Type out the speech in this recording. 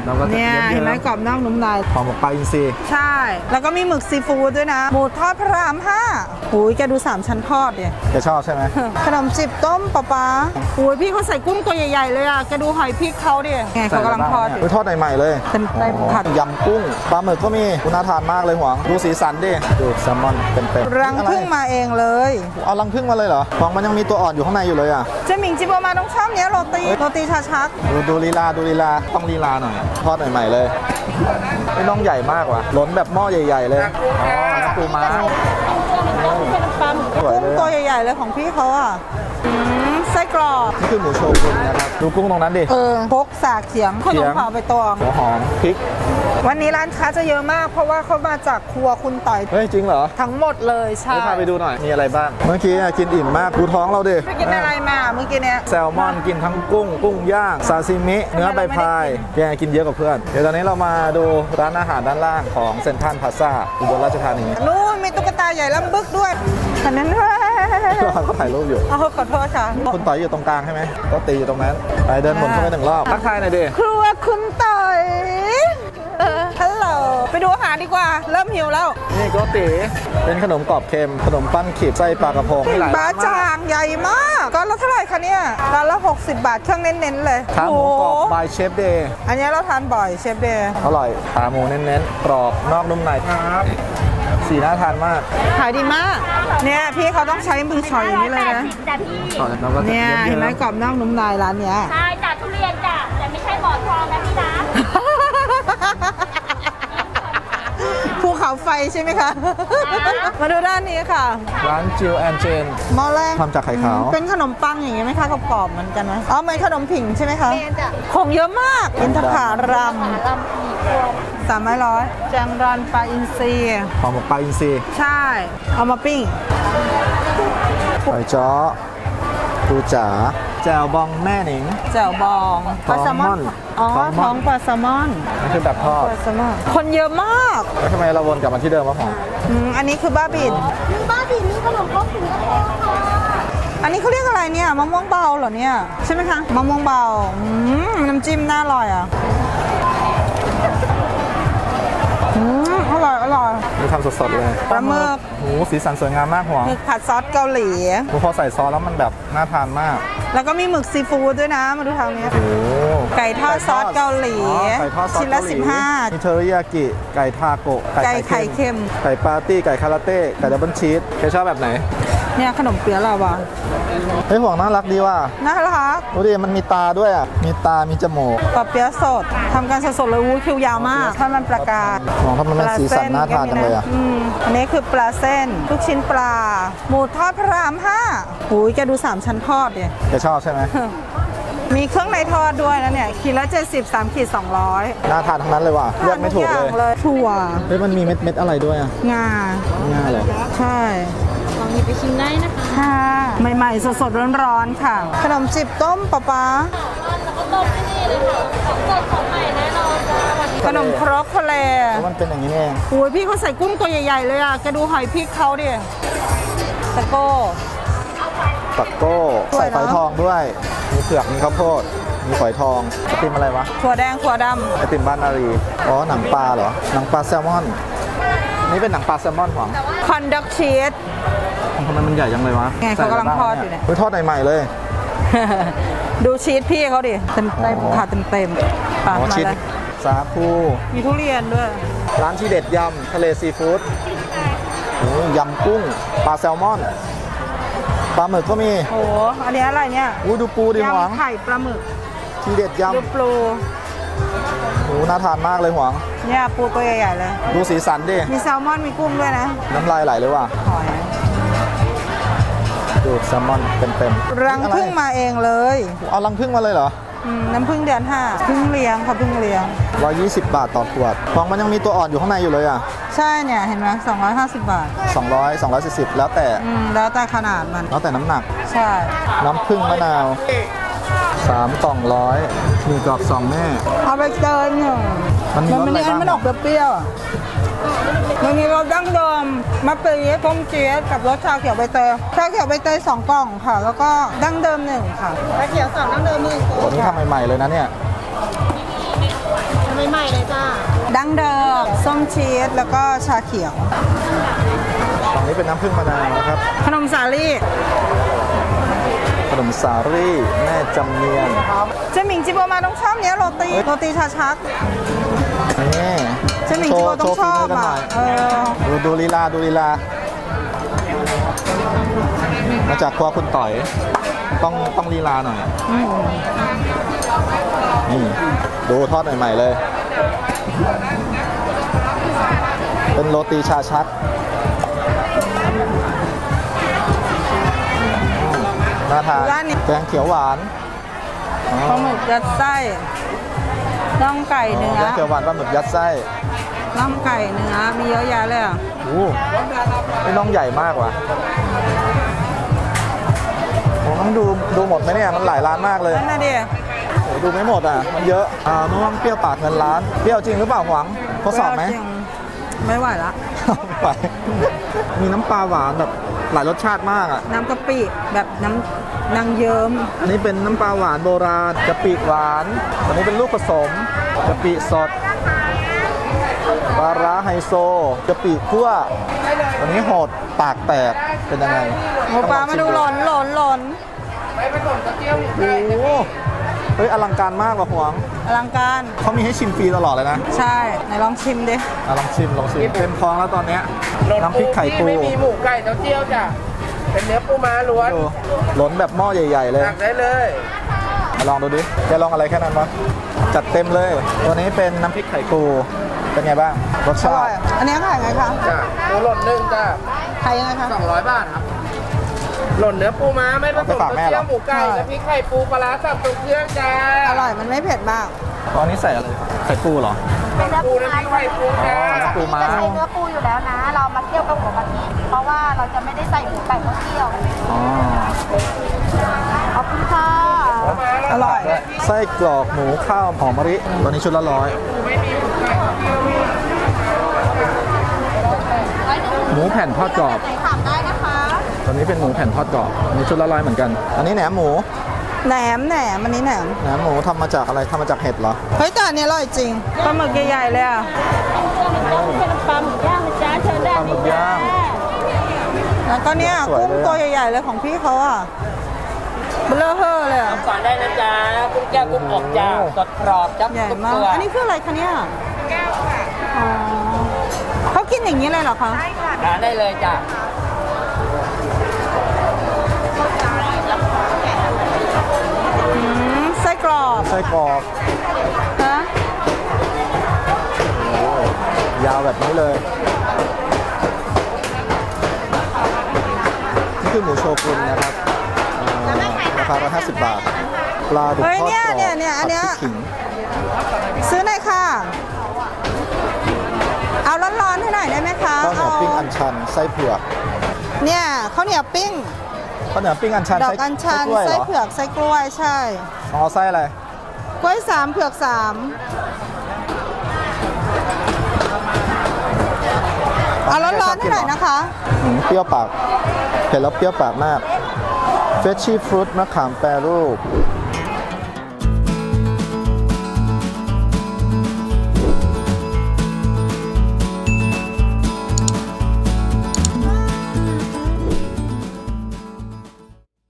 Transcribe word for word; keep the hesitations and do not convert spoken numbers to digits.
เนี่ยเห็นไหมกรอบนอกนุ่มในของหมกปลาอินทรีใช่แล้วก็มีหมึกซีฟู้ดด้วยนะหมูทอดพระรามห้าหูยแกดูสามชั้นทอดเนี่ยแกชอบใช่ไหมขนมจีบต้มปลาปลาหูยพี่เขาใส่กุ้งตัวใหญ่ๆเลยอ่ะแกดูหอยพริกเขาดิไงเขากำลังทอดทอดใหม่ๆเลยเป็นไก่ผัดยำกุ้งปลาหมึกก็มีคุณน่าทานมากเลยหวังดูสีสันดิดูแซลมอนเต็มๆรังผึ้งมาเองเลยเอารังผึ้งมาเลยเหรอหวังมันยังมีตัวอ่อนอยู่ข้างในอยู่เลยอ่ะเจมิงจิโบมาต้องชอบเนี้ยโรตีโรตีชาชักดูดูลีลาดูลีลาต้องลีลาหน่อยทอดใหม่ๆเลยไม่น้องใหญ่มากว่ะล้นแบบหม้อใหญ่ๆเลยอ๋อปูม้ากุ้งตัวใหญ่ๆเลยของพี่เขาอ่ะไส้กรอกนี่คือหมูโชกุนนะครับดูกุ้งตรงนั้นดิเออพกสากเขียงขนมเผาไปตองหัวหอมพริกวันนี้ร้านค้าจะเยอะมากเพราะว่าเขามาจากครัวคุณต่อยเฮ้ยจริงเหรอทั้งหมดเลยใช่พาไปดูหน่อยมีอะไรบ้างเมื่อกี้กินอิ่มมากดูท้องเราดิไปกินอะไรมาเมื่อกี้เนี้ยแซลมอนกินทั้งกุ้งกุ้งย่างซาซิมิเนื้อใบพายแกกินเยอะกว่าเพื่อนเดี๋ยวตอนนี้เรามาดูร้านอาหารด้านล่างของเซ็นทรัลพลาซ่าอุบลราชธานีนู่นมีตุ๊กตาใหญ่ลำบึกด้วยอันนั้นด้วยเขาถ่ายรูปอยู่เอาขอโทษค่ะคุณต่อยอยู่ตรงกลางใช่ไหมก็ตีอยู่ตรงนั้นไปเดินวนเข้าไปหนึ่งรอบทักทายหน่อยดิครัวคุณต่อยฮัลโหลไปดูอาหารดีกว่าเริ่มหิวแล้วนี่ก็ตีเป็นขนมกรอบเค็มขนมปั้นขีดไส้ปลากระพงปลาจางใหญ่มากก็แล้วเท่าไหร่คะเนี่ยร้านละหกสิบบาทเครื่องเน้นๆเลยขาหมูกรอบบายเชฟเดย์อันนี้เราทานบ่อยเชฟเดย์อร่อยขาหมูเน้นๆกรอบนอกนุ่มในครับสีน่าทานมากขายดีมากเนี่ยพี่เขาต้องใช้มือชอยอย่างนี้เลยนะเนี่ยเห็นไหมกรอบนอกนุ่มในร้านเนี้ยใช่จ้ะทุเรียนจ้ะแต่ไม่ใช่หมอนทองนะพี่นะภูเขาไฟใช่ไหมคะมาดูด้านนี้ค่ะร้านจิวแอนเจนหม้อแรกทำจากไข่ขาวเป็นขนมปังอย่างงี้ไหมคะกรอบๆเหมือนกันไหมอ๋อเหมือนขนมผิงใช่ไหมคะของเยอะมากอินทผลัมสามไม้ร้อยแจงรันปลาอินทรีของหมกปลาอินทรีใช่เอามาปิ้งไก่จ้อปูจ๋าแจ่วบองแม่หนิงแจ่วบองปลาแซลมอนอ๋อท้องปลาแซลมอนนี่คือแบบทอดคนเยอะมากแล้วทำไมเราวนกลับมาที่เดิมวะหอมอันนี้คือบ้าบินนี่บ้าบินนี่ขนมครกสิงคโปร์ค่ะอันนี้เขาเรียกอะไรเนี่ยมะม่วงเบาเหรอเนี่ยใช่ไหมคะมะม่วงเบาน้ำจิ้มน่าอร่อยอ่ะอร่อยอร่อยนี่ทำสดๆเลยปลาหมึกโอ้สีสันสวยงามมากหัวหมึกผัดซอสเกาหลีพอใส่ซอสแล้วมันแบบน่าทานมากแล้วก็มีหมึกซีฟู้ดด้วยนะมาดูทางนี้โอ้ไก่ทอดซอสเกาหลีชิ้นละสิบห้ามีเทอริยากิไก่ทาโกะไก่ไข่เค็มไก่ปาร์ตี้ไก่คาราเต้ไก่ดับเบิลชีสใครชอบแบบไหนเนี่ยขนมเปี๊ยะลาวาเฮ้ยห่วงน่ารักดีว่ะน่ารักดูดิมันมีตาด้วยอ่ะมีตามีจมูกปลาเปี๊ยะสดทำกันสดๆเลยวู้คิวยาวมากถ้ามันประกาศมองถ้ามันเป็นสีสันน่าทานจังเลยอ่ะอันนี้คือปลาเส้นลูกชิ้นปลาหมูทอดพระรามห้าหูยแกดูสามชั้นทอดเนี่ยแกชอบใช่ไหมมีเครื่องในทอดด้วยนะเนี่ยขีดละเจ็ดสิบสามขีดสองร้อยน่าทานทั้งนั้นเลยว่ะเลือกไม่ถูกเลยถั่วเฮ้ยมันมีเม็ดเม็ดอะไรด้วยอ่ะงางาเหรอใช่ลองหยิบไปชิมได้นะคะค่ะใหม่ๆสดๆร้อนๆค่ะขนมจีบต้มปลาปลาแล้วก็ต้มที่นี่เลยค่ะของสดของใหม่แน่นอนจ้าขนมครกทะเลมันเป็นอย่างนี้เองโอ้ยพี่เขาใส่กุ้งตัวใหญ่ๆเลยอ่ะแกดูหอยพริกเขาดิตะโก้ตะโก้ใส่ฝอยทองด้วยมีเผือกมีข้าวโพดมีฝอยทองไอติมอะไรวะถั่วแดงถั่วดำไอติมบ้านนารีอ๋อหนังปลาเหรอหนังปลาแซลมอนนี่เป็นหนังปลาแซลมอนหวังคอนดักชีสทำไมมันใหญ่จังเลยวะไงเขากำลังทอดอยู่เนี่ยทอดใหม่ๆเลยดูชีสพี่เขาดิเต็มเต็มค่ะเต็มเต็มปากมาเลยสาคูมีทุเรียนด้วยร้านที่เด็ดยำทะเลซีฟู้ดยำกุ้งปลาแซลมอนปลาหมึกก็มีโอ้อันนี้อะไรเนี่ยอู้ดูปูดิหวังไข่ปลาหมึกที่เด็ดยำดูปูโอ้น่าทานมากเลยหวังเนี่ยปูตัวใหญ่ๆเลยดูสีสันดิมีแซลมอนมีกุ้งด้วยนะน้ำลายไหลเลยว่ะหอยดูแซลมอนเต็มๆรังผึ้งมาเองเลยเอารังผึ้งมาเลยเหรอน้ำผึ้งเดือนห้าผึ้งเลี้ยงค่ะผึ้งเลี้ยงร้อยยี่สิบบาทต่อขวดฟองมันยังมีตัวอ่อนอยู่ข้างในอยู่เลยอ่ะใช่เนี่ยเห็นไหมสองร้อยห้าสิบบาทสองร้อยสองร้อยสี่สิบแล้วแต่แล้วแต่ขนาดมันแล้วแต่น้ำหนักใช่น้ำผึ้งมะนาวสามกล่องร้อยมีกรอบสองแม่เอาไปเติมหนึ่งมันมีมันมีมันออกเปรี้ยวมันมีรสดั้งเดิมมะปรี๊ดส้มเจี๊ยบกับรสชาเขียวใบเตยชาเขียวใบเตยสองกล่องค่ะแล้วก็ดั้งเดิมหนึ่งค่ะชาเขียวสองดั้งเดิมหนึ่งโอ้นี่ทำใหม่ๆเลยนะเนี่ยใหม่ๆเลยจ้าดั้งเดิมส้มชีสแล้วก็ชาเขียวฝั่งนี้เป็นน้ำผึ้งมะนาวนะครับขนมสาลี่ขนมสาลี่แม่จำเนียนเจหมิงจิโบมาต้องชอบเนี้ยโรตีโรตีชาชักนี่เจหมิงจิโบต้องชอบอ่ะเออดูดูลีลาดูลีลา มาจากครัวคุณต่อย ต้องต้องลีลาหน่อยนี่ดูทอดใหม่ๆเลย เป็นโรตีชาชักน่าทานแกงเขียวหวานอ๋อปลาหมึกยัดไส้น่องไก่เนื้อแกงเขียวหวานปลาหมึกยัดไส้น่องไก่เนื้อมีเยอะแยะเลยอ่ะโอ้นี่น้องใหญ่มากว่ะผมต้องดูดูหมดไหมเนี่ยมันหลายร้านมากเลยนั่นน่ะดิโอ้ดูไม่หมดอ่ะมันเยอะอ่ามะม่วงเปรี้ยวปากเงินล้านเปรี้ยวจริงหรือเปล่าหวังทดสอบไหมจริงไม่ไหวละไป มีน้ำปลาหวานแบบหลายรสชาติมากอ่ะน้ำกะปิแบบน้ำนางเยิ้มอันนี้เป็นน้ำปลาหวานโบราณกะปิหวาน อันนี้เป็นลูกผสมกะปิสดปลาร้าไฮโซกะปิคั่วอันนี้โหดปากแตกเป็นยังไงหมูปลามาดูหล่นหล่นหล่นโอ้โหเฮ้ยอลังการมากว่ะหวงอลังการเขามีให้ชิมฟรีตลอดเลยนะใช่ไหนลองชิมดิอ่ะลองชิมลองชิมเต็มท้องแล้วตอนเนี้ยน้ำพริกไข่ปูไม่มีหมูไก่เต้าเจี้ยวจ้ะ เป็นเนื้อปูม้าล้วนดูล้นแบบหม้อใหญ่ ๆ เลยตักได้เลยมาลองดูดิแกลองอะไรแค่นั้นวะจัดเต็มเลย ตัวนี้เป็นน้ำพริกไข่ปูเป็นไงบ้างรสอชาร่อยติอันนี้ขายไงคะจ้ะตัวหล่นหนึ่งจ้ะขายยังไงคะสองร้อยบาทครับ หล่นเนื้อปูม้าไม่ผสมเต้าเจี้ยวหมูไก่และพริกไข่ปูปลาร้าสับตรงเครื่องจ้าอร่อยมันไม่เผ็ดมากตอนนี้ใส่อะไรไข่ปูเหรอเป็นเนื้อปูปูน้ำพริกไข่ปูอ๋อจ้าน้ำปูม้าจะใช้เนื้อปูอยู่แล้วนะ เรามาเคี่ยวกับหัวกะทิเพราะว่าเราจะไม่ได้ใส่หมูไก่เข้าเคี่ยวอ๋อขอบคุณค่ะอร่อยไส้กรอกหมูข้าวหอมมะลิตัวนี้ชุดละร้อยหมูแผ่นทอดกรอบไหนถามได้นะคะตัวนี้เป็นหมูแผ่นทอดกรอบอันนี้ชุดละร้อยเหมือนกัน อันนี้แหนมหมูแหนมแหนมอันนี้แหนมแหนมหมูทำมาจากอะไรทำมาจากเห็ดเหรอเฮ้ยแต่อันนี้อร่อยจริงปลาหมึกใหญ่ๆเลยอ่ะเป็นปลาหมึกย่างนะจ๊ะเชิญได้ปลาหมึกย่างแล้วก็เนี่ยสวยกุ้งเลยอะตัวใหญ่ๆเลยของพี่เขาอ่ะเบลอเฮ่อเลยอ่ะก่อนได้นะจ๊ะกุ้งแก้วกุ้งอกจ้าสดกรอบจับใหญ่ทุกมากตัวอันนี้คืออะไรคะเนี่ยแก้วค่ะอ๋อเขากินอย่างนี้เลยเหรอคะทานได้เลยจ้ะอืมไส้กรอบไส้กรอกฮะยาวแบบนี้เลย นี่คือหมูโชกุนนะครับอ่าราคาหนึ่งร้อยห้าสิบบาท ปลาดุกทอดเฮ้ยกรเนี่ยอบเนี่ยเนี่ยอันเนี้ยผัดพริกขิงซื้อหน่อยค่ะ เอาร้อนๆให้หน่อยได้ไหมคะข้าวเหนียวปิ้งอัญชันไส้เผือกเนี่ยข้าวเหนียวปิ้งข้าวเหนียวปิ้งอัญชันดอกไส้อัญชันกล้วยเหไส้รอเผือกไส้กล้วยใช่อ๋อไส้อะไรกล้วยสามเผือกสามเอาร้อนๆให้หน่อยนะคะอืมเปรี้ยวปากเห็นแล้วเปรี้ยวปากมากเฟชชี่ฟรุตมะขามแปรรูป